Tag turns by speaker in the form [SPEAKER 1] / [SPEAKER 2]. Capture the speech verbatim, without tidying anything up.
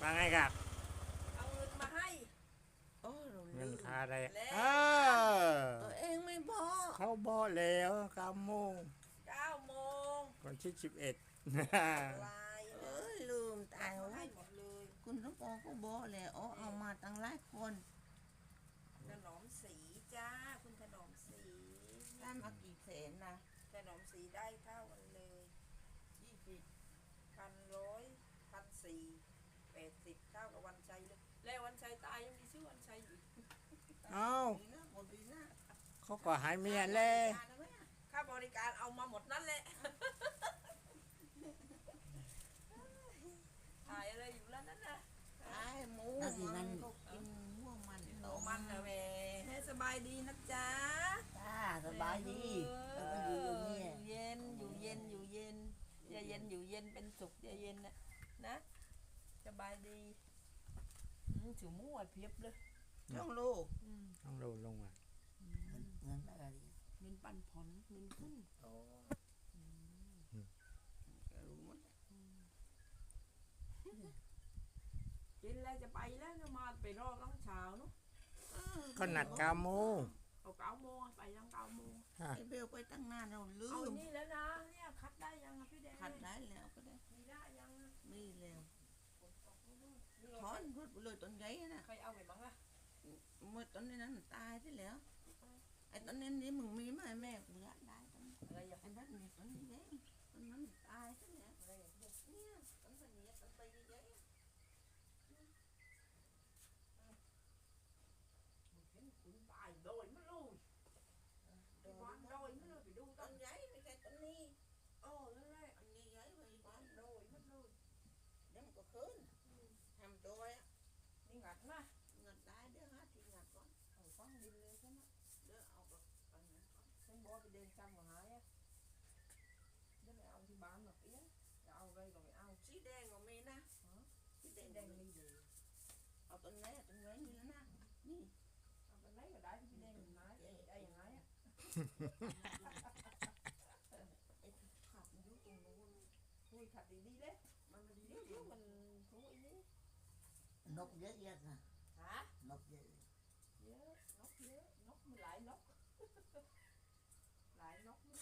[SPEAKER 1] ว่าไงครับ
[SPEAKER 2] เอาเงินมาให้
[SPEAKER 3] โอ้เรา
[SPEAKER 1] เงิน
[SPEAKER 3] ลืม
[SPEAKER 1] ค่าอะไร
[SPEAKER 2] แล้ว
[SPEAKER 1] เออ
[SPEAKER 3] ตัวเองไม่บอก
[SPEAKER 1] เขาบอกแล้วเก้าโมง
[SPEAKER 2] เก้าโมง
[SPEAKER 1] วันที่สิบเอ็ด
[SPEAKER 2] ลาย
[SPEAKER 3] เอ
[SPEAKER 2] นะ
[SPEAKER 3] ้ยลืมตาย
[SPEAKER 2] เอา
[SPEAKER 3] ว่า
[SPEAKER 2] ให้หมดเลย
[SPEAKER 3] คุณต้องปอก็บอกแล้วอ๋อเอามาตั้งหลายคน
[SPEAKER 2] ถนอมสีจ้าคุณถนอมสี
[SPEAKER 3] ได้มากี่แสนนะ
[SPEAKER 2] ถนอมสีได้เท่ากันเลย
[SPEAKER 3] ยี่สิบ
[SPEAKER 2] พันร้อยพันสี่แปดสิบเท่ากับวันชัยเลยแล้ววันชัยตายยังมีชื่อวันชัยอยู่
[SPEAKER 1] เอ้า
[SPEAKER 3] ดีนะหมดดีนะ
[SPEAKER 1] เขาก็หายเมียเลย
[SPEAKER 3] ทานได้ไหมอะ
[SPEAKER 2] ค่าบริการเอามาหมดนั่นแหละถ่ายอะไรอยู่แล้วนั่นนะ
[SPEAKER 3] ไอ้หมูมันก็กินหัวมัน
[SPEAKER 2] โตมันนะแม่ให้สบายดีนะจ๊ะ
[SPEAKER 3] จ้าสบายดีแล้วก็อยู่ตรงนี้
[SPEAKER 2] อยู่เย็นอยู่เย็นอยู่เย็นอย่าเย็นอยู่เย็นเป็นสุขอย่าเย็นนะนะสบายดีอืมถือมั่วเพียบเลย
[SPEAKER 3] ช่องลูก
[SPEAKER 2] อืม
[SPEAKER 1] ต้องดูลงมา
[SPEAKER 3] เงินเงินอะไรดี
[SPEAKER 2] เงินปันผลเงินขึ้น
[SPEAKER 3] โอ้รู้หมด
[SPEAKER 2] กินแล้วจะไปแล้วนะมาไปรอตั้งเช้าเนาะ
[SPEAKER 1] ก็นัดเก้าโมง
[SPEAKER 2] เอาเก้าโมงอะไปตั้งเก้าโมง
[SPEAKER 3] ไอ้เบลไปตั้งนานเราลื
[SPEAKER 2] เอา
[SPEAKER 3] ม
[SPEAKER 2] นี่แล้วนะเนี่ยคัดได้ยังอะพี่แดง
[SPEAKER 3] ขัดได้แล้วก็ได้
[SPEAKER 2] มีได้ยังอะ
[SPEAKER 3] ไม่แล้ว
[SPEAKER 2] นี่
[SPEAKER 3] ถอนรถไปเลยต้นใหญ่นะ
[SPEAKER 2] ใครเอาไปบ้างอะ
[SPEAKER 3] เมื่อต้นนี้นั้นตายที่แล้วไอ้ต้นนี้นี่มึงมีไหมแม่กูอยากได้ต้น
[SPEAKER 2] อะไรอย่าง
[SPEAKER 3] ไอ้นั่นนี่ต้นนี้เองต้นนั้นตายที่แล้ว
[SPEAKER 2] อะไรอย่างเงี้ย
[SPEAKER 3] เนี่ยต้นพันนี้ต้นใบใหญ่ๆอะ
[SPEAKER 2] เห็นคุณตายโดยไม่รู้
[SPEAKER 3] โด
[SPEAKER 2] ไปบ้าน
[SPEAKER 3] น
[SPEAKER 2] โดยไม่รู้ไปดูต้
[SPEAKER 3] ต้
[SPEAKER 2] น
[SPEAKER 3] นใหญ่ไม่ใช่ต้นนี้
[SPEAKER 2] โอ้นั่นแหละ
[SPEAKER 3] อันนี้ใหญ่ไป
[SPEAKER 2] บ้านโดยไม่รู้
[SPEAKER 3] เดี๋ยวมันก็ขึ้นทำโดยอะ
[SPEAKER 2] นี่งัดนะ
[SPEAKER 3] เงินได้เดี๋ยวหาที่งัดก่อน
[SPEAKER 2] เอาฟังดินเลยใช่ไหม
[SPEAKER 3] เดี๋ยวเอากับอันนั้นก่อน
[SPEAKER 2] ฉันบอกไปเดินจำหัวหายอะเดี๋ยวไปเอาที่บ้านหรอกเอี้ยจะเอาอะไรก็ไม่เอา
[SPEAKER 3] สีแดงก็มีนะสีแด
[SPEAKER 2] แด
[SPEAKER 3] ง
[SPEAKER 2] ง
[SPEAKER 3] แด
[SPEAKER 2] แด
[SPEAKER 3] ง
[SPEAKER 2] งมีดี
[SPEAKER 3] เอาต้นไหนอะต้นไหนนี่แล้วนะนี่
[SPEAKER 2] เอาไปไหนก็ได้ที่พี่แดงเห็นไหมได้ยังไงอะ
[SPEAKER 3] ไอ้ขับมันอยู่ตรงนู้น
[SPEAKER 2] คุยขัดดีๆเลย
[SPEAKER 3] มันมาดี
[SPEAKER 2] เดี๋ยวเดี๋ยวมันรู้อีนี่
[SPEAKER 3] นกเยอะแยะนะ
[SPEAKER 2] ฮะ
[SPEAKER 3] นกเยอะ
[SPEAKER 2] เยอะนกเยอะนกมันหลายนก